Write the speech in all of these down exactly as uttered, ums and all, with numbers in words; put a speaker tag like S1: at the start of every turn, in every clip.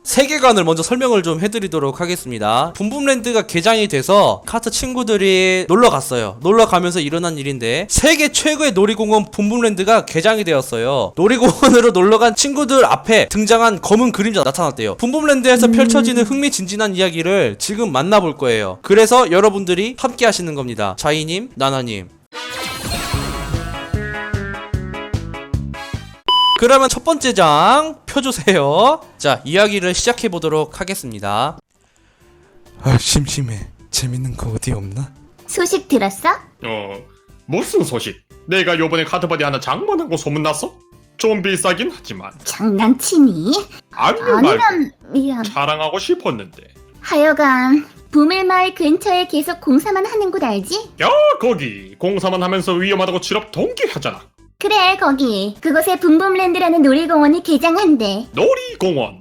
S1: 세계관을 먼저 설명을 좀 해드리도록 하겠습니다. 붐붐랜드가 개장이 돼서 카트 친구들이 놀러 갔어요. 놀러 가면서 일어난 일인데 세계 최고의 놀이공원 붐붐랜드가 개장이 되었어요. 놀이공원으로 놀러간 친구들 앞에 등장한 검은 그림자 나타났대요. 붐붐랜드에서
S2: 음.
S1: 펼쳐지는 흥미진진한 이야기를 지금 만나볼 거예요. 그래서 여러분들이 함께 하시는 겁니다. 자이님, 나나님. 그러면 첫 번째 장 펴주세요. 자, 이야기를 시작해보도록 하겠습니다.
S3: 아, 심심해. 재밌는 거 어디 없나?
S2: 소식 들었어?
S4: 어, 무슨 소식? 내가 요번에 카드바디 하나 장만한 거 소문났어? 좀 비싸긴 하지만
S2: 장난치니?
S4: 아니면 말고
S2: 아니면 미안.
S4: 자랑하고 싶었는데.
S2: 하여간 부밀마을 근처에 계속 공사만 하는 곳 알지?
S4: 야, 거기 공사만 하면서 위험하다고 취업 동기하잖아.
S2: 그래 거기. 그곳에 붐붐랜드라는 놀이공원이 개장한대.
S4: 놀이공원.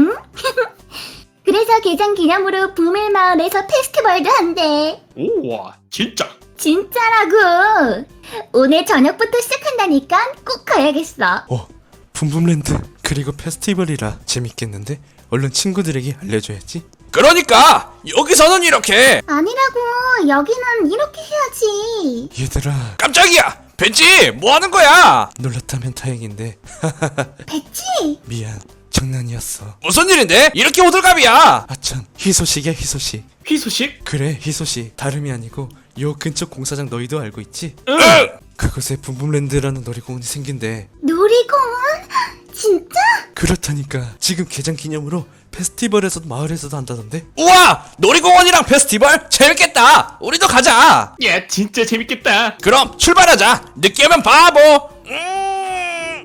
S2: 그래서 개장 기념으로 부밀마을에서 페스티벌도 한대.
S4: 우와, 진짜.
S2: 진짜라고. 오늘 저녁부터 시작한다니까 꼭 가야겠어.
S3: 어, 붐붐랜드 그리고 페스티벌이라 재밌겠는데? 얼른 친구들에게 알려줘야지.
S1: 그러니까 여기서는 이렇게.
S2: 아니라고. 여기는 이렇게 해야지.
S3: 얘들아,
S1: 깜짝이야. 벤지 뭐하는 거야?
S3: 놀랐다면 다행인데.
S2: 됐지?
S3: 미안, 장난이었어.
S1: 무슨 일인데? 이렇게 호들갑이야.
S3: 아참, 희소식이야 희소식.
S4: 희소식?
S3: 그래, 희소식. 다름이 아니고 요 근처 공사장 너희도 알고 있지?
S4: 응.
S3: 그곳에 붐붐랜드라는 놀이공원이 생긴대.
S2: 놀이공원? 진짜?
S3: 그렇다니까. 지금 개장 기념으로 페스티벌에서도 마을에서도 한다던데?
S1: 우와, 놀이공원이랑 페스티벌 재밌겠다. 우리도 가자.
S4: 야, 진짜 재밌겠다.
S1: 그럼 출발하자. 늦게 오면 바보. 음...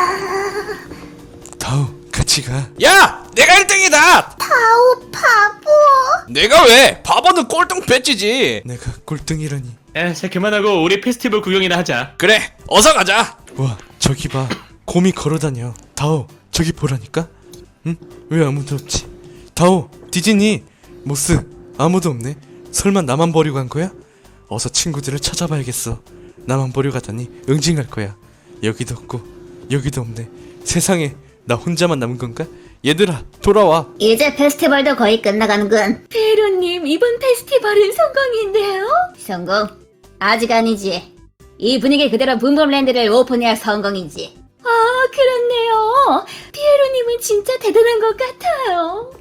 S3: 다우, 같이 가.
S1: 야, 내가 일 등이다.
S2: 다오 바보.
S1: 내가 왜? 바보는 꼴등 배지지.
S3: 내가 꼴등이라니.
S4: 에, 자, 그만하고 우리 페스티벌 구경이나 하자.
S1: 그래, 어서 가자.
S3: 와, 저기 봐. 곰이 걸어다녀. 다오, 저기 보라니까? 응? 왜 아무도 없지? 다오, 디즈니, 모스, 아무도 없네. 설마 나만 버리고 간 거야? 어서 친구들을 찾아봐야겠어. 나만 버리고 가다니 응징할 거야. 여기도 없고 여기도 없네. 세상에, 나 혼자만 남은 건가? 얘들아, 돌아와.
S2: 이제 페스티벌도 거의 끝나가는군. 페로님, 이번 페스티벌은 성공인데요? 성공? 아직 아니지. 이 분위기 그대로 붐붐랜드를 오픈해야 성공이지. 아, 그렇네요. 피에로님은 진짜 대단한 것 같아요.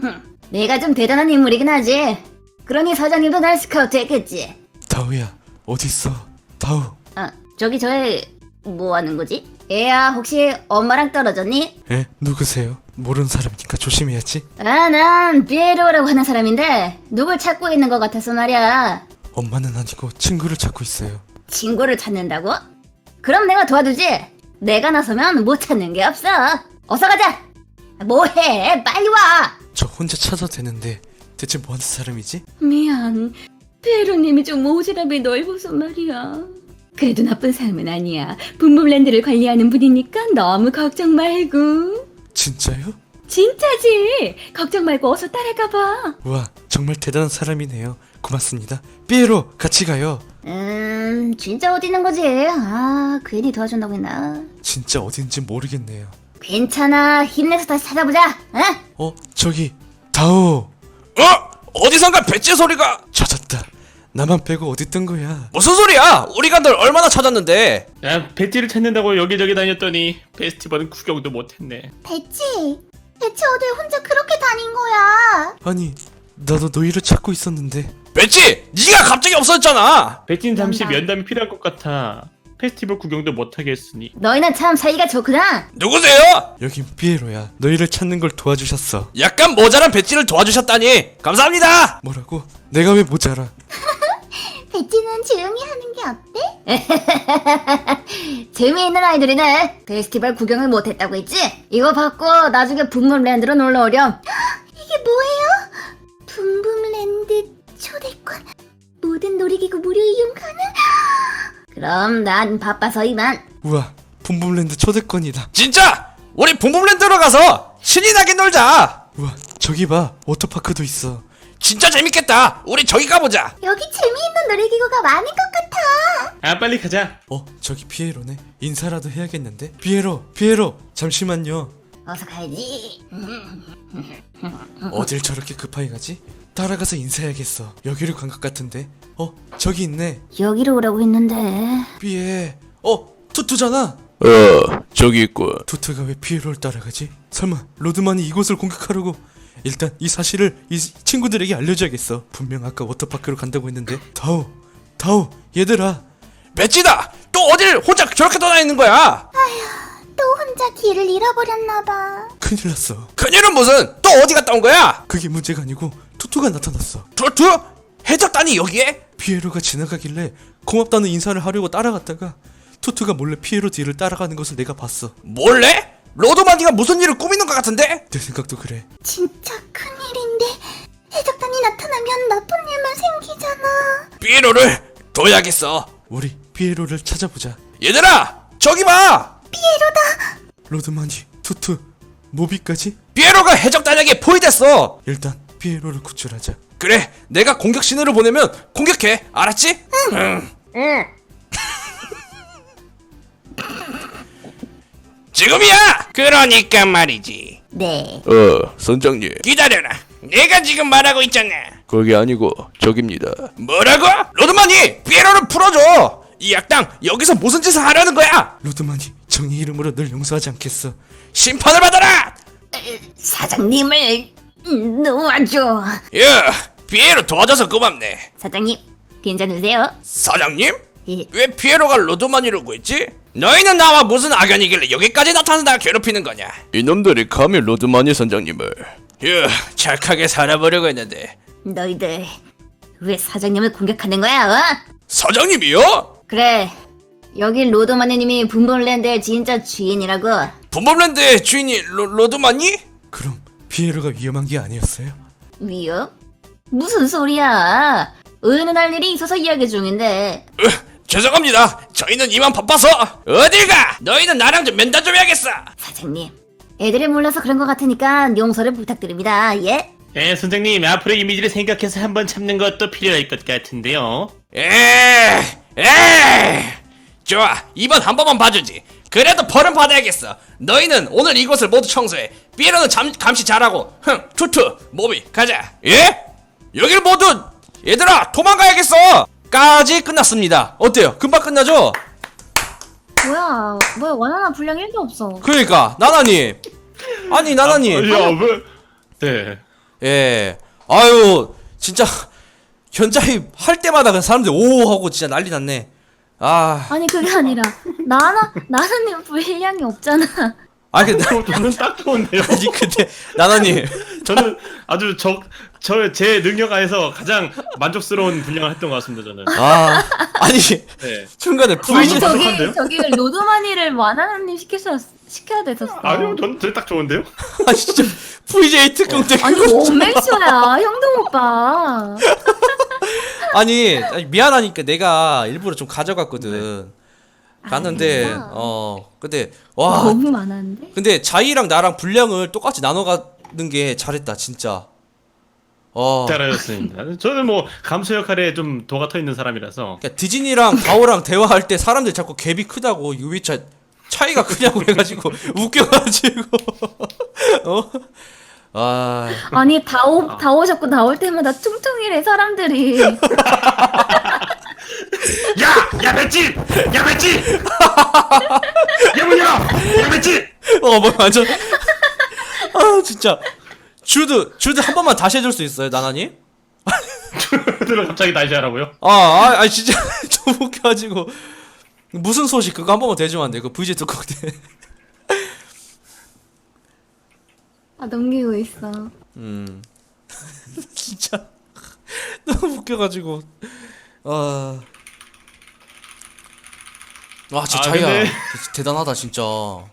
S2: 내가 좀 대단한 인물이긴 하지. 그러니 사장님도 날 스카우트 했겠지.
S3: 다오야, 어딨어? 다오.
S2: 아, 저기 저애 뭐 하는 거지? 얘야, 혹시 엄마랑 떨어졌니?
S3: 에? 누구세요? 모르는 사람이니까 조심해야지.
S2: 아, 난 피에로라고 하는 사람인데 누굴 찾고 있는 것 같아서 말이야.
S3: 엄마는 아니고 친구를 찾고 있어요.
S2: 친구를 찾는다고? 그럼 내가 도와주지. 내가 나서면 못 찾는 게 없어. 어서 가자. 뭐해? 빨리 와.
S3: 저 혼자 찾아도 되는데 대체 뭐하는 사람이지?
S2: 미안. 페로님이 좀 오지랖이 넓어서 말이야. 그래도 나쁜 사람은 아니야. 붐붐랜드를 관리하는 분이니까 너무 걱정 말고.
S3: 진짜요?
S2: 진짜지. 걱정 말고 어서 따라가봐.
S3: 와, 정말 대단한 사람이네요. 고맙습니다. 삐에로, 같이 가요.
S2: 음, 진짜 어디 있는 거지? 아, 괜히 도와준다고 했나?
S3: 진짜 어딘지 모르겠네요.
S2: 괜찮아. 힘내서 다시 찾아보자. 어?
S3: 어, 저기 다오.
S1: 어? 어디선가 배지 소리가.
S3: 찾았다. 나만 빼고 어디 있던 거야?
S1: 무슨 소리야? 우리가 널 얼마나 찾았는데.
S4: 야, 배지를 찾는다고 여기저기 다녔더니 페스티벌은 구경도 못했네.
S2: 배치. 대체 어딜 혼자 그렇게 다닌 거야?
S3: 아니, 나도 너희를 찾고 있었는데.
S1: 배지, 네가 갑자기 없어졌잖아.
S4: 배지는 잠시
S2: 면담.
S4: 면담이 필요할 것 같아. 페스티벌 구경도 못하게 했으니.
S2: 너희는 참 사이가 좋구나.
S1: 누구세요?
S3: 여긴 삐에로야. 너희를 찾는 걸 도와주셨어.
S1: 약간 모자란 배지를 도와주셨다니 감사합니다.
S3: 뭐라고? 내가 왜 모자라?
S2: 배치는 조용히 하는 게 어때? 재미있는 아이들이네. 페스티벌 구경을 못했다고 했지? 이거 받고 나중에 붐붐랜드로 놀러 오렴. 이게 뭐예요? 붐붐랜드 초대권. 모든 놀이기구 무료 이용 가능? 그럼 난 바빠서 이만.
S3: 우와, 붐붐랜드 초대권이다.
S1: 진짜 우리 붐붐랜드로 가서 신이 나게 놀자.
S3: 우와, 저기 봐. 워터파크도 있어.
S1: 진짜 재밌겠다. 우리 저기 가보자.
S2: 여기 재미있는 놀이기구가 많은 것 같아.
S4: 아, 빨리 가자.
S3: 어, 저기 피에로네. 인사라도 해야겠는데? 피에로, 피에로, 잠시만요.
S2: 어서 가야지.
S3: 어딜 저렇게 급하게 가지? 따라가서 인사해야겠어. 여기로 간 것 같은데. 어, 저기 있네.
S2: 여기로 오라고 했는데.
S3: 삐에. 어, 투투잖아.
S5: 어, 저기 있군.
S3: 투투가 왜 피에로를 따라가지? 설마 로드만이 이곳을 공격하려고? 일단 이 사실을 이 친구들에게 알려줘야겠어. 분명 아까 워터파크로 간다고 했는데. 다오, 다오, 얘들아.
S1: 배지다! 또 어딜 혼자 저렇게 떠나있는 거야?
S2: 또 혼자 길을 잃어버렸나봐.
S3: 큰일 났어.
S1: 그녀는 무슨 또 어디 갔다 온 거야?
S3: 그게 문제가 아니고 투투가 나타났어.
S1: 투투? 해적단이 여기에?
S3: 피에로가 지나가길래 고맙다는 인사를 하려고 따라갔다가 투투가 몰래 피에로 뒤를 따라가는 것을 내가 봤어.
S1: 몰래? 로드마니가 무슨 일을 꾸미는 것 같은데?
S3: 내 생각도 그래.
S2: 진짜 큰일인데. 해적단이 나타나면 나쁜 일만 생기잖아.
S1: 피에로를 둬야겠어.
S3: 우리 피에로를 찾아보자.
S1: 얘들아! 저기 봐!
S3: 로드마니, 투투, 모비까지?
S1: 피에로가 해적단에게 포위됐어!
S3: 일단 피에로를 구출하자.
S1: 그래, 내가 공격 신호를 보내면 공격해. 알았지? 응. 응. 지금이야! 그러니까 말이지.
S2: 네.
S5: 어, 선장님.
S1: 기다려라. 내가 지금 말하고 있잖아.
S5: 그게 아니고 저깁니다.
S1: 뭐라고? 로드마니! 피에로를 풀어줘! 이 악당 여기서 무슨 짓을 하려는 거야?
S3: 로드마니, 정의 이름으로 널 용서하지 않겠어.
S1: 심판을 받아라!
S2: 사장님을 놓아줘.
S1: 야, 피에로 도와줘서 고맙네.
S2: 사장님, 괜찮으세요?
S1: 사장님?
S2: 예.
S1: 왜 피에로가 로드마니를 구했지? 너희는 나와 무슨 악연이길래 여기까지 나타나다가 괴롭히는 거냐?
S5: 이놈들이 감히 로드마니 선장님을.
S1: 휴, 착하게 살아보려고 했는데.
S2: 너희들 왜 사장님을 공격하는 거야? 어?
S1: 사장님이요?
S2: 그래, 여기 로드마니님이 분본랜드의 진짜 주인이라고.
S1: 분범랜드의 주인이 로, 로드마니?
S3: 그럼 피에로가 위험한 게 아니었어요?
S2: 위협? 무슨 소리야? 은은할 일이 있어서 이야기 중인데.
S1: 으, 죄송합니다. 저희는 이만 바빠서. 어딜 가? 너희는 나랑 좀 면담 좀 해야겠어.
S2: 사장님, 애들이 몰라서 그런 것 같으니까 용서를 부탁드립니다. 예?
S6: 예, 선생님, 앞으로 이미지를 생각해서 한번 참는 것도 필요할 것 같은데요.
S1: 에, 에. 좋아, 이번 한 번만 봐주지. 그래도 벌은 받아야겠어. 너희는 오늘 이곳을 모두 청소해. 피에로는 잠, 감시 잘하고. 흥, 투투, 모비, 가자. 예? 여길 모두 얘들아 도망가야겠어. 까지 끝났습니다. 어때요? 금방 끝나죠?
S7: 뭐야, 뭐야, 원하나 분량 일도 없어.
S1: 그러니까 나나님. 아니 나나님.
S4: 아, 야, 왜? 네.
S1: 예. 아유 진짜 현자입 할 때마다 그 사람들 오 하고 진짜 난리 났네. 아.
S7: 아니, 그게 아니라, 나나, 나나님 분량이 없잖아.
S1: 아 근데
S4: 저는 딱 좋은데요.
S1: 아니 근데 나나님.
S4: 저는 아주 저, 저, 제 능력 안에서 가장 만족스러운 분량을 했던 것 같습니다, 저는.
S1: 아 아니
S4: 네.
S1: 중간에
S7: 아니,
S1: 브이지
S7: 저기,
S4: 부족한데요?
S7: 저기, 로드마니를 와나나님 시켰어, 시켜야 됐었어.
S4: 아니요, 저는 저딱 좋은데요?
S1: 아 진짜 브이제이 특공 때
S7: 아니,
S1: 그거 진짜-
S7: 원맨쇼야, 형동 오빠.
S1: 아니, 아니 미안하니까 내가 일부러 좀 가져갔거든. 갔는데
S7: 아니야.
S1: 어 근데 와
S7: 너무 많았는데?
S1: 근데 자이랑 나랑 분량을 똑같이 나눠 가는 게 잘했다 진짜. 어.
S4: 잘하셨습니다. 저는 뭐 감수 역할에 좀 도가 터 있는 사람이라서.
S1: 그러니까 디즈니랑 가오랑 대화할 때 사람들 자꾸 갭이 크다고 유비차 차이가 크냐고 해가지고 웃겨가지고 어? 아
S7: 아니, 다 오, 다 오셨고 나올 때마다 퉁퉁이래, 사람들이.
S4: 야! 야, 맷집! 야, 맷집! 야, 문 열어! 야, 맷집!
S1: 어, 뭐 완전 아 진짜 주드 주드 한 번만 다시 해줄 수 있어요 나나님?
S4: 들어 갑자기 다시 하라고요?
S1: 아, 아, 아 진짜 좀 웃겨가지고 무슨 소식 그거 한 번만 대주면 안 돼? 그 브이제이 특공 때.
S7: 아, 넘기고 있어.
S1: 음 진짜 너무 웃겨가지고 아. 와 진짜
S4: 아,
S1: 자기야
S4: 근데-
S1: 진짜 대단하다 진짜.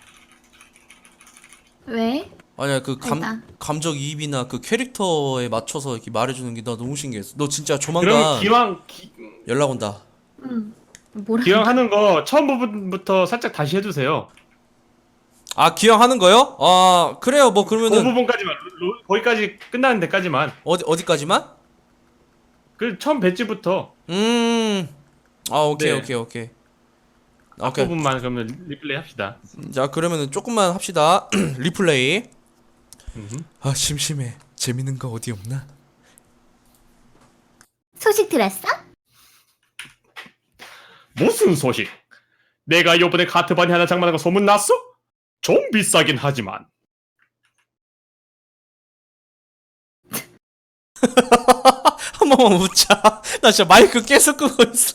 S7: 왜?
S1: 아니야 그 감
S7: 일단.
S1: 감정이입이나 그 캐릭터에 맞춰서 이렇게 말해주는 게 나 너무 신기했어. 너 진짜
S4: 그럼
S1: 조만간
S4: 기왕, 기,
S1: 연락 온다.
S7: 응. 뭐라?
S4: 기왕 하는 거 처음 부분부터 살짝 다시 해주세요.
S1: 아 기왕 하는 거요? 아 그래요 뭐
S4: 그
S1: 그러면은
S4: 부분까지만, 로- 거기까지 끝나는 데까지만.
S1: 어디 어디까지만?
S4: 그 처음 배지부터.
S1: 음. 아 오케이
S4: 네.
S1: 오케이 오케이. 오케이.
S4: 앞부분만 그러면 리플레이 합시다.
S1: 자 그러면은 조금만 합시다. 리플레이.
S3: 아 심심해. 재밌는 거 어디 없나?
S2: 소식 들었어?
S4: 무슨 소식? 내가 요번에 카트바디 하나 장만한 거 소문났어? 좀 비싸긴 하지만
S1: 한 번만 웃자. 나 진짜 마이크 계속 끄고 있어.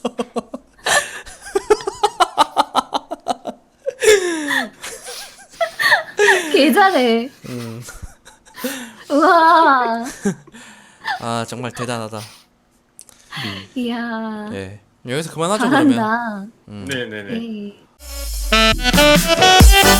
S7: 개 잘해.
S1: 음.
S7: 우와.
S1: 아 정말 대단하다.
S7: 이야.
S1: 네. 여기서 그만하죠 그러면.
S7: 잘한다.
S1: 음.
S4: 네네네.
S7: 네.